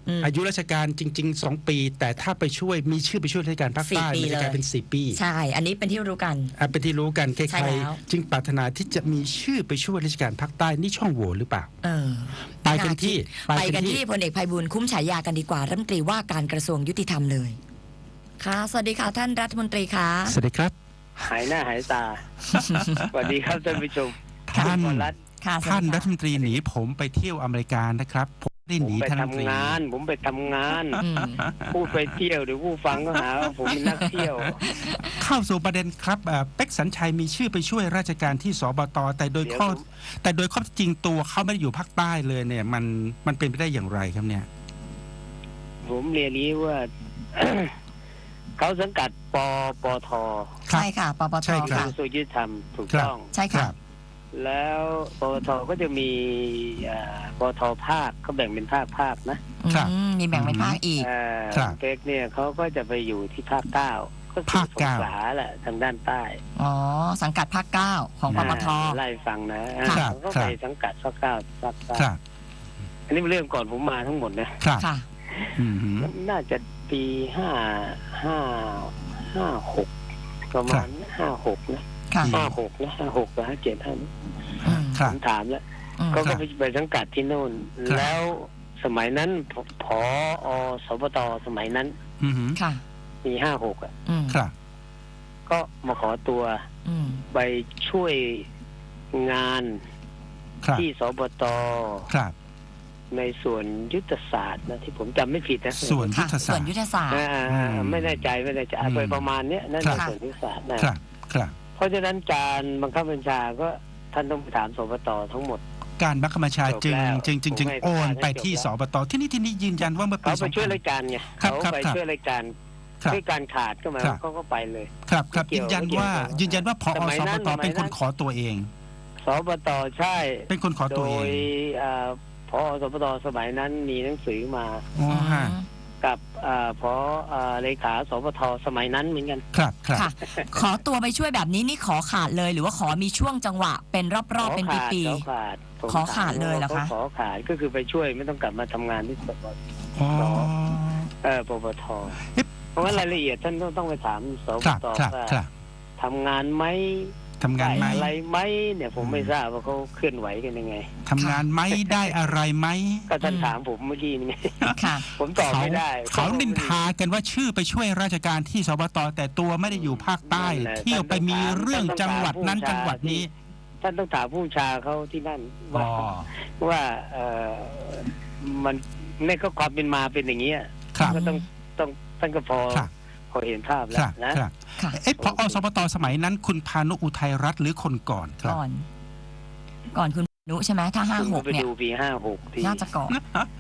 [SPEAKER 2] อืม
[SPEAKER 1] อายุราชการจริงๆสองปี แต่ถ้าไปช่วยมีชื่อไปช่วยราชการภาคใต้
[SPEAKER 2] สี่ปี
[SPEAKER 1] มันจะกลายเป็นสี่ปี
[SPEAKER 2] ใช่ อันนี้เป็นที่รู้กัน
[SPEAKER 1] อ่ะเป็นที่รู้กันใค
[SPEAKER 2] ใช่
[SPEAKER 1] ร
[SPEAKER 2] แล้ว
[SPEAKER 1] ๆจึงปรารถนาที่จะมีชื่อไปช่วยราชการภาคใต้นี่ช่องโหว่หรือเปล่า
[SPEAKER 2] เออ
[SPEAKER 1] ไปกันที่
[SPEAKER 2] ไปกันที่พลเอกไพบูลย์คุ้มฉายากันดีกว่ารัฐมนตรีว่าการกระทรวงยุติธรรมเลยค่ะสวัสดีค่ะท่านรัฐมนตรีคะ
[SPEAKER 1] สวัสดีครับ
[SPEAKER 4] หายหน้าหายตา สวัสดีครับท่านผู้ชม
[SPEAKER 1] ท่าน
[SPEAKER 4] คุณรัฐ
[SPEAKER 2] ค่ะสวัสดี
[SPEAKER 1] ท่าน
[SPEAKER 2] ค่ะ
[SPEAKER 1] รัฐมนตรีหนีผมไปเที่ยวอเมริกานะครับผมไม่ได้
[SPEAKER 4] ผ
[SPEAKER 1] ห
[SPEAKER 4] ม
[SPEAKER 1] นี
[SPEAKER 4] ไป
[SPEAKER 1] ท่านรัฐมนตรี
[SPEAKER 4] ทำงาน ผมไปทำงาน
[SPEAKER 2] อืม
[SPEAKER 4] พูดไปเที่ยวเดี๋ยวผู้ฟังก็หาว่าผมเป็นนักเที่ยว
[SPEAKER 1] เข้าสู่ประเด็นครับเอ่อเป็กสัญชัยมีชื่อไปช่วยราชการที่สบตแต่โดยข้อ
[SPEAKER 4] เดี๋ยวผม
[SPEAKER 1] แต่โดยข้อเท็จจริงตัวเขาไม่ได้อยู่ภาคใต้เลยเนี่ยมันมันเป็นไปได้อย่างไรครับเนี่ย
[SPEAKER 4] ผมเรียนนี้ว่า เขาสังกัดปปท
[SPEAKER 1] ครับ
[SPEAKER 2] ใช่ค่ะปป
[SPEAKER 1] ใช่
[SPEAKER 2] ท
[SPEAKER 1] ครั
[SPEAKER 2] ค่ะ
[SPEAKER 1] บ
[SPEAKER 4] กระทรวงยุติธรรมถูก
[SPEAKER 1] ครับ
[SPEAKER 4] ต้อง
[SPEAKER 2] ใช่ค่ะ
[SPEAKER 4] แล้วปปทก็จะมีอ่าปปทภาคเขาแบ่งเป็นภาคภาคนะ
[SPEAKER 1] ครับ
[SPEAKER 2] อืมมีแบ่งเป็นภาคอีก
[SPEAKER 4] อ่า
[SPEAKER 1] ครับ
[SPEAKER 4] เป็กเนี่ยเขาก็จะไปอยู่ที่ภาคเก้าก็คือ
[SPEAKER 1] ภาค
[SPEAKER 4] สง
[SPEAKER 1] เก้า
[SPEAKER 4] ขลาแหละทางด้านใต้
[SPEAKER 2] อ๋อ สังกัดภาคเก้าของปปท
[SPEAKER 4] อ่าไล่ฟังนะอ่า
[SPEAKER 1] ครับ
[SPEAKER 4] เขาก็
[SPEAKER 1] ครับ
[SPEAKER 4] ไปสังกัดภาคเก้าภาคเก้า
[SPEAKER 1] ครับ
[SPEAKER 4] อันนี้เป็นเรื่องก่อนผมมาทั้งหมดนะครับ
[SPEAKER 2] ค่ะ
[SPEAKER 1] อืมฮึ
[SPEAKER 4] น่าจะปีห้าห้าห้าหกประมาณห้าหกนะ
[SPEAKER 2] ค่ะ
[SPEAKER 4] ห้าหกนะห้าหกกับห้าเจ็ดห้า
[SPEAKER 2] อืม
[SPEAKER 1] ครั
[SPEAKER 4] ผ
[SPEAKER 1] บ
[SPEAKER 4] มถามแล้ว
[SPEAKER 2] อืม
[SPEAKER 4] เขาก็ไปไปสังกัดที่โน่น
[SPEAKER 1] ครับ
[SPEAKER 4] แล้วสมัยนั้นผผอสปตสมัยนั้น
[SPEAKER 1] อืมฮึ
[SPEAKER 2] ค่ะ
[SPEAKER 4] ปีห้าหกอ่ะ
[SPEAKER 2] อืม
[SPEAKER 1] ครับ
[SPEAKER 4] ก็มาขอตัว
[SPEAKER 2] อืม
[SPEAKER 4] ไปช่วยงาน
[SPEAKER 1] ครับ
[SPEAKER 4] ที่สปต
[SPEAKER 1] ครับ
[SPEAKER 4] ในส่วนยุทธศาสตร์นะที่ผมจำไม่ผิดนะ
[SPEAKER 1] ส่วนยุ
[SPEAKER 2] ค่ะ
[SPEAKER 1] ทธ
[SPEAKER 2] ส่
[SPEAKER 1] ศา
[SPEAKER 2] วน
[SPEAKER 1] สตร์
[SPEAKER 2] ยุทธศาสตร์
[SPEAKER 4] อ่า
[SPEAKER 1] อืม
[SPEAKER 4] ไม่แน่ใจไม่แน่ใจ
[SPEAKER 1] อืม
[SPEAKER 4] ไปประมาณเนี้ยนั่น
[SPEAKER 1] ครับ
[SPEAKER 4] ในส่วนยุทธศาสตร์นะครับ
[SPEAKER 1] ครับ
[SPEAKER 4] เพราะฉะนั้นการบังคับบัญชาก็ท่านต้องไปถามสปตทั้งหมด
[SPEAKER 1] การบังคับบัญชาจึง
[SPEAKER 4] จบแล้ว
[SPEAKER 1] จึงจึงจึง
[SPEAKER 4] ผมให้
[SPEAKER 1] โอนไป
[SPEAKER 4] จบแล้ว
[SPEAKER 1] ที่สบตที่นี่ที่นี่ยืนยันว่าเมื่อปี
[SPEAKER 4] เขาไปช่วย
[SPEAKER 1] สองพัน
[SPEAKER 4] รายการไง
[SPEAKER 1] ครับ
[SPEAKER 4] เขา
[SPEAKER 1] ครับ
[SPEAKER 4] ไป
[SPEAKER 1] ครับ
[SPEAKER 4] ช่วยรายการ
[SPEAKER 1] ครับ
[SPEAKER 4] ด้วยการขาดก็หมาย
[SPEAKER 1] ครั
[SPEAKER 4] ว่า
[SPEAKER 1] บ
[SPEAKER 4] เขาก็ไปเลย
[SPEAKER 1] ครับครับ
[SPEAKER 4] ไม่เกี่
[SPEAKER 1] ยื
[SPEAKER 4] ยวน
[SPEAKER 1] ยัน
[SPEAKER 4] ไม่เกี่ยว
[SPEAKER 1] ว่า
[SPEAKER 4] กับ
[SPEAKER 1] ยืนยันว่าพอ
[SPEAKER 4] สมัย
[SPEAKER 1] ส
[SPEAKER 4] นั้
[SPEAKER 1] บ
[SPEAKER 4] น
[SPEAKER 1] ต
[SPEAKER 4] สมัยนั้น
[SPEAKER 1] เป็นคนขอตัวเอง
[SPEAKER 4] สปตใช่
[SPEAKER 1] เป็นคนขอ
[SPEAKER 4] โด
[SPEAKER 1] ตัวเอง
[SPEAKER 4] ยอ่าพอสปตสมัยนั้นมีหนังสือมา
[SPEAKER 1] อ๋อฮะ
[SPEAKER 4] กับอ่าพออ่าเลขาสปทสมัยนั้นเหมือนกัน
[SPEAKER 1] ครับครับ
[SPEAKER 2] ค่ะ ขอตัวไปช่วยแบบนี้นี่ขอขาดเลย หรือว่าขอมีช่วงจังหวะ เป็นรอบๆเป็น
[SPEAKER 4] ขอขาด
[SPEAKER 2] ปี
[SPEAKER 4] ขอขาดผม
[SPEAKER 2] ขอขาดเลยเหรอคะ
[SPEAKER 4] ขอขาดก็คือไปช่วยไม่ต้องกลับมาทำงานที่สปท
[SPEAKER 1] อ๋อ
[SPEAKER 4] เออปปท
[SPEAKER 1] เอ๊ะ
[SPEAKER 4] เพราะว่ารายละเอียดท่านต้องต้องไปถามส
[SPEAKER 1] ค
[SPEAKER 4] ป
[SPEAKER 1] รับ
[SPEAKER 4] ต
[SPEAKER 1] ครับ
[SPEAKER 4] ว่า
[SPEAKER 1] ครับ
[SPEAKER 4] ทำงานไหม
[SPEAKER 1] ทำงานไหม
[SPEAKER 4] ด้อะไรไหมเนี่ยผมไม่ทราบว่าเขาเคลื่อนไหวกันยังไง
[SPEAKER 1] ทำงานไหมได้อะไรไหม
[SPEAKER 4] ก็ท่านถามผมเมื่อกี้นี่ไง
[SPEAKER 2] ๆค่ะ
[SPEAKER 4] ผมตอบ
[SPEAKER 1] เขา
[SPEAKER 4] ไม่ได้
[SPEAKER 1] เขานินทากันว่าชื่อไปช่วยราชการที่สบตแต่ตัวไม่ได้อยู่ภาคใต้
[SPEAKER 4] นั่นแหละ
[SPEAKER 1] เที่ยวไปมีเรื่องจังหวัดนั้นจังหวัดนี้
[SPEAKER 4] ท่านต้องถามผู้บัญชาเขาที่นั่น
[SPEAKER 1] อ๋
[SPEAKER 4] ว่า
[SPEAKER 1] อ
[SPEAKER 4] ว่าเออมันในก็ความเป็นมาเป็นอย่างนี้ย
[SPEAKER 1] ครับ
[SPEAKER 4] ก็ต้องต้องท่านก็พอ
[SPEAKER 1] ครับ
[SPEAKER 4] พอเห็นภาพแล้
[SPEAKER 1] คว รับ
[SPEAKER 4] นะ
[SPEAKER 1] ครับ
[SPEAKER 2] ค่ะ
[SPEAKER 1] เอ๊ะพอสบตสมัยนั้น คุณพานุอุทัยรัตน์หรือคนก่อนครับ
[SPEAKER 2] ก่อน ก่อนคุณนุใช่ไหมถ้าห้า
[SPEAKER 4] คุณ
[SPEAKER 2] ห
[SPEAKER 4] ก็
[SPEAKER 2] ก
[SPEAKER 4] ไป
[SPEAKER 2] เนี่ย
[SPEAKER 4] ดูปีห้าหกที
[SPEAKER 2] น่าจะก่อน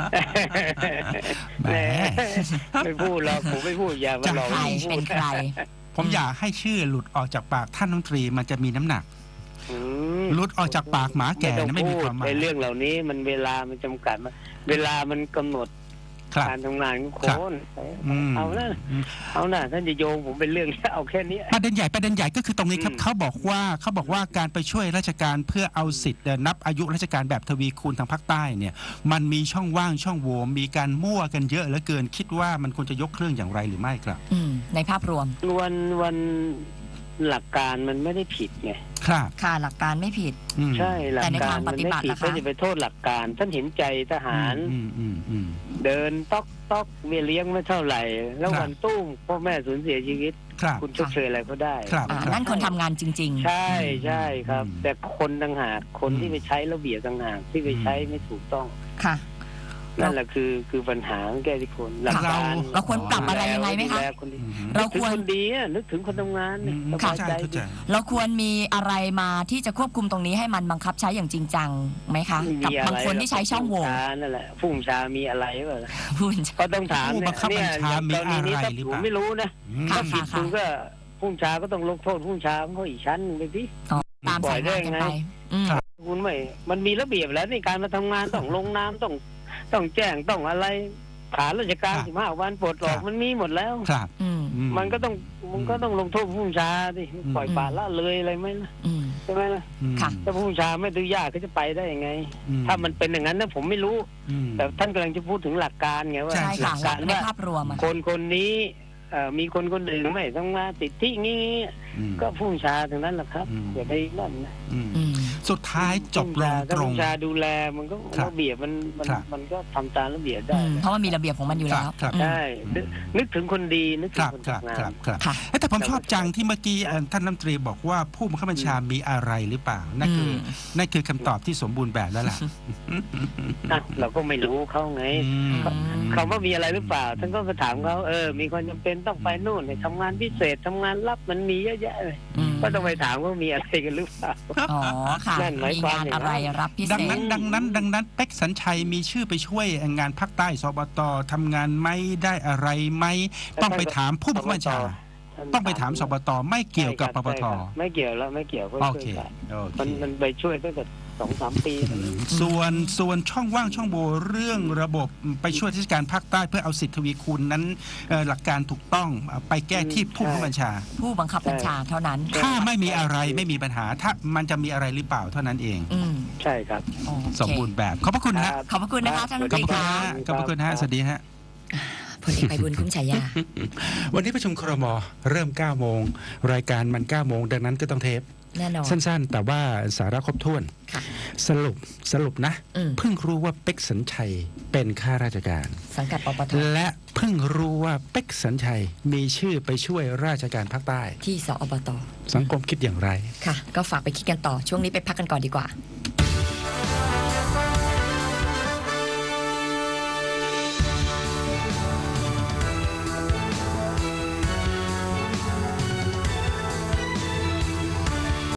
[SPEAKER 1] แหม
[SPEAKER 4] แหมไม่พูดหรอกผมไม่พูดอย่ามา
[SPEAKER 1] จะ
[SPEAKER 4] หลอก
[SPEAKER 2] ใคร
[SPEAKER 4] ผมพู
[SPEAKER 2] เป็
[SPEAKER 4] ด
[SPEAKER 2] นใคร
[SPEAKER 1] ผมอยากให้ชื่อหลุดออกจากปากท่านรัฐมนตรีมันจะมีน้ำหนัก
[SPEAKER 4] อืม
[SPEAKER 1] หลุดออกจากปากหมาแก่นะไม่มีความหมาย
[SPEAKER 4] ในเรื่องเหล่านี้มันเวลามันจำกัดมาเวลามันกำหนด
[SPEAKER 1] ครับ
[SPEAKER 4] การทำงานของ
[SPEAKER 1] ครับ
[SPEAKER 4] คน
[SPEAKER 1] อืม
[SPEAKER 4] เอานะ
[SPEAKER 1] อืม
[SPEAKER 4] เอานะท่านจะโยงผมเป็นเรื่องเอาแค่นี้
[SPEAKER 1] ประเด็นใหญ่ประเด็นใหญ่ก็คือตรงนี้ครับ
[SPEAKER 4] อืม
[SPEAKER 1] เขาบอกว่าเขาบอกว่าการไปช่วยราชการเพื่อเอาสิทธิ์นับอายุราชการแบบทวีคูณทางภาคใต้เนี่ย มันมีช่องว่างช่องโหว่มีการมั่วกันเยอะเหลือเกินคิดว่ามันควรจะยกเครื่องอย่างไรหรือไม่ครับ
[SPEAKER 2] อืม ในภาพรวม
[SPEAKER 4] วันวันหลักการมันไม่ได้ผิดไง
[SPEAKER 1] ครับ
[SPEAKER 2] ค่ะหลักการไม่ผิด
[SPEAKER 1] อืม
[SPEAKER 4] ใช่หลัก
[SPEAKER 2] แต่ใน
[SPEAKER 4] การ
[SPEAKER 2] ทางป
[SPEAKER 4] มัน
[SPEAKER 2] ฏิ
[SPEAKER 4] ไม่
[SPEAKER 2] บัติ
[SPEAKER 4] ผิด
[SPEAKER 2] ล่ะคะ
[SPEAKER 4] ท่านจะไปโทษหลักการ ท่านเห็นใจทหาร
[SPEAKER 1] อืมอืมอืม
[SPEAKER 4] เดินต๊อกต๊อกเบี้ยเลี้ยงไม่เท่าไหร่ แล้ว
[SPEAKER 1] ครับ
[SPEAKER 4] วันตุ้มพ่อแม่สูญเสียชีวิต
[SPEAKER 1] ครับ
[SPEAKER 4] คุณชดเชยอะไรเขาได้
[SPEAKER 1] ครับ
[SPEAKER 2] อ่านั่นคนทำงานจริง
[SPEAKER 4] ใช่ใช่ครับ
[SPEAKER 1] อืม
[SPEAKER 4] แต่คนต่างหากคนที่ไปใช้ระเบียบต่างหากที่ไปใช้ไม่ถูกต้อง
[SPEAKER 2] ๆ ค่ะ
[SPEAKER 4] นั่นแหละคือคือปัญหาของแก้ที่คนหลักการ
[SPEAKER 2] เราควรปรับอะไรยังไงไหมคะ
[SPEAKER 4] ดูแลคนดี
[SPEAKER 1] อืม
[SPEAKER 2] เรา
[SPEAKER 4] นึกถึ
[SPEAKER 2] คว
[SPEAKER 4] ง
[SPEAKER 2] ร
[SPEAKER 4] คนดีอะนึกถึงคนทำงาน
[SPEAKER 1] อื
[SPEAKER 4] เนี่ย
[SPEAKER 1] ม
[SPEAKER 4] สบาย
[SPEAKER 1] เข้าใจ
[SPEAKER 4] ใจ
[SPEAKER 1] เข้า
[SPEAKER 4] ดี
[SPEAKER 1] ใจ
[SPEAKER 2] เราควรมีอะไรมาที่จะควบคุมตรงนี้ให้มันบังคับใช้อย่างจริงจังไหมคะ
[SPEAKER 4] ไม่
[SPEAKER 2] กับ
[SPEAKER 4] มีอะ
[SPEAKER 2] บาง
[SPEAKER 4] ไร
[SPEAKER 2] คนที่ใช้ช่องโหว่
[SPEAKER 4] ผู้บัญชานั่นแหละผู้บัญชามีอะไรเปล่าล่ะ
[SPEAKER 2] พูด
[SPEAKER 4] ก็ต้องถาม
[SPEAKER 1] ผู้บั
[SPEAKER 4] เนี่
[SPEAKER 1] ง
[SPEAKER 4] ย
[SPEAKER 1] คับบัญชามี
[SPEAKER 4] เนี่ยอย่างกรณีนี้
[SPEAKER 1] อะไร
[SPEAKER 4] ถ้า
[SPEAKER 1] หรือ
[SPEAKER 4] ผ
[SPEAKER 1] เป
[SPEAKER 4] ม
[SPEAKER 1] ล่า
[SPEAKER 4] ไม่รู้นะ
[SPEAKER 1] อืม
[SPEAKER 2] ค่ะ
[SPEAKER 4] ถ้าผิดคุณก็ผู้บัญชาก็ต้องลงโทษผู้บัญชาเขาอีกชั้นหนึ่งไปสิ
[SPEAKER 2] ตามสายงานกันไปอืม
[SPEAKER 4] คุณไม่มันมีระเบียบแล้วในการมาทำงานต้องลงน้ำต้องต้องแจ้งต้องอะไรขาราชการ
[SPEAKER 1] ครับ
[SPEAKER 4] สิบห้าวันปลดออก
[SPEAKER 1] ครับ
[SPEAKER 4] มันมีหมดแล้ว
[SPEAKER 1] ครับ
[SPEAKER 2] อืม
[SPEAKER 1] ออืม
[SPEAKER 4] มันก็ต้องมันก็ต้องลงโทษผู้บัญชาดิปล่อยปละละเลยอะไรไหมนะ
[SPEAKER 2] อืม
[SPEAKER 4] ใช่ไหมล่ะ
[SPEAKER 1] อืม
[SPEAKER 2] ค่ะ
[SPEAKER 4] ถ้าผู้บัญชาไม่ดื้อยากเขาจะไปได้ยังไง
[SPEAKER 1] อืม
[SPEAKER 4] ถ้ามันเป็นอย่างนั้นนะผมไม่รู้
[SPEAKER 1] อืม
[SPEAKER 4] แต่ท่านกำลังจะพูดถึงหลักการไงว่า
[SPEAKER 2] ใช่
[SPEAKER 4] ห
[SPEAKER 2] ค่ะ
[SPEAKER 4] ลักการ
[SPEAKER 2] ใน
[SPEAKER 4] ว่า
[SPEAKER 2] ภาพรวมอะ
[SPEAKER 4] คนคนนี้เอ่อมีคนคนหนึ่งไม่ต้องมาติดที่งี้
[SPEAKER 1] อืม
[SPEAKER 4] ก็ผู้บัญชาถึงนั้นแหละครับ
[SPEAKER 1] อืม
[SPEAKER 4] อย่าไปนั่นนะ
[SPEAKER 1] อืม
[SPEAKER 2] อืม
[SPEAKER 1] สุดท้ายจบลง
[SPEAKER 4] ถ้า
[SPEAKER 1] ตร
[SPEAKER 4] ผู้
[SPEAKER 1] ง
[SPEAKER 4] บัญชาดูแลมันก็
[SPEAKER 1] ครับ
[SPEAKER 4] ระเบียบมันมัน
[SPEAKER 1] ครับ
[SPEAKER 4] มันก็ทำตามระเบียบ
[SPEAKER 2] อื
[SPEAKER 4] ได้
[SPEAKER 2] มเพราะว่ามีระเบียบของมันอยู่แล้ว
[SPEAKER 1] ครับ
[SPEAKER 2] อืม
[SPEAKER 4] ใช่นึกนึกถึงคนดีนึก
[SPEAKER 1] ค
[SPEAKER 4] ถึง
[SPEAKER 1] รับ
[SPEAKER 4] คน
[SPEAKER 1] ครับ
[SPEAKER 4] ทำงา
[SPEAKER 1] ครับ
[SPEAKER 4] น
[SPEAKER 1] ครับ
[SPEAKER 2] ค่ะ
[SPEAKER 1] เอ้ยแต่ผมชอบจังที่เมื่อกี้เอ่อท่านรัฐมนตรีบอกว่าผู้บังคับบัญชามีอะไรหรือเปล่านั่นคืออ
[SPEAKER 2] ม
[SPEAKER 1] นั่นคือคำตอบที่สมบูรณ์แบบแล้วล่ะ
[SPEAKER 4] อ่ะเราก็ไม่รู้เขาไง
[SPEAKER 1] อืม
[SPEAKER 4] เขาว่ามีอะไรหรือเปล่าท่านก็ไปถามเขาเออมีความจำเป็นต้องไปนู่นไปทำงานพิเศษทำงานลับมันมีเยอะแยะเลย
[SPEAKER 2] อืม
[SPEAKER 4] ก็ต้องไปถามว่ามีอะไรกันหรือเปล่า
[SPEAKER 2] อ๋อค่ะ
[SPEAKER 4] นั่นหมาย
[SPEAKER 2] มี
[SPEAKER 4] ความ
[SPEAKER 2] งาน
[SPEAKER 4] อย่างนั้น
[SPEAKER 2] อะไรรับพิเศ
[SPEAKER 1] ดัง
[SPEAKER 2] ษ
[SPEAKER 1] นั้นดังนั้นดังนั้นเป็กสัญชัยมีชื่อไปช่วยงานภาคใต้สบตทำงานไหมได้อะไรไหมต้องไปถามผู้บังคับบัญชา ต้องไปถามสบตไม่เกี่ยวกับปปท
[SPEAKER 4] ใช่ครับไม่เกี่ยวแล้วไม่เกี่ยวก็
[SPEAKER 1] โอ
[SPEAKER 4] ช่วย
[SPEAKER 1] เค
[SPEAKER 4] กัน
[SPEAKER 1] โอเค
[SPEAKER 4] มันมันไปช่วยตั้งแต่สองสามปี
[SPEAKER 1] อืมส่วนส่วนช่องว่างช่องโหว่เรื่องระบบไปช่วยราชการภาคใต้เพื่อเอาสิทธิทวีคูณนั้นเอ่อหลักการถูกต้องไปแก้ที่ผู้บังคับบัญชา
[SPEAKER 2] ผู้บังคับบัญชาเท่านั้น
[SPEAKER 1] ถ้าไม่มีอะไรไม่มีปัญหา ถ้ามันจะมีอะไรหรือเปล่าเท่านั้นเอง
[SPEAKER 2] อืม
[SPEAKER 4] ใช่ครับ
[SPEAKER 2] โอเค
[SPEAKER 1] สมบูรณ์แบบขอบพระคุณฮะ
[SPEAKER 2] ขอบพระคุณนะคะท่านรัฐ
[SPEAKER 1] ข
[SPEAKER 2] ม
[SPEAKER 1] อบ
[SPEAKER 2] นต
[SPEAKER 1] พ
[SPEAKER 2] รี
[SPEAKER 1] ระคุณ
[SPEAKER 2] ค่ะ
[SPEAKER 1] ฮะขอบพระคุณฮะสวัสดีฮะ
[SPEAKER 2] พลเอกไพบูลย์คุ้มฉายา
[SPEAKER 1] วันนี้ประชุมครมเริ่มเก้าโมงรายการมันเก้าโมงดังนั้นก็ต้องเทป
[SPEAKER 2] แน่นอน
[SPEAKER 1] สั้นๆ แต่ว่าสาระครบถ้วน
[SPEAKER 2] ค่ะ
[SPEAKER 1] สรุปสรุปนะ
[SPEAKER 2] อืม
[SPEAKER 1] เพิ่งรู้ว่าเป็กสัญชัยเป็นข้าราชการ
[SPEAKER 2] สังกัดปปท
[SPEAKER 1] และเพิ่งรู้ว่าเป็กสัญชัยมีชื่อไปช่วยราชการภาคใต้
[SPEAKER 2] ที่สอบต
[SPEAKER 1] สังคมคิดอย่างไร
[SPEAKER 2] ค่ะ ก็ฝากไปคิดกันต่อ ช่วงนี้ไปพักกันก่อนดีกว่า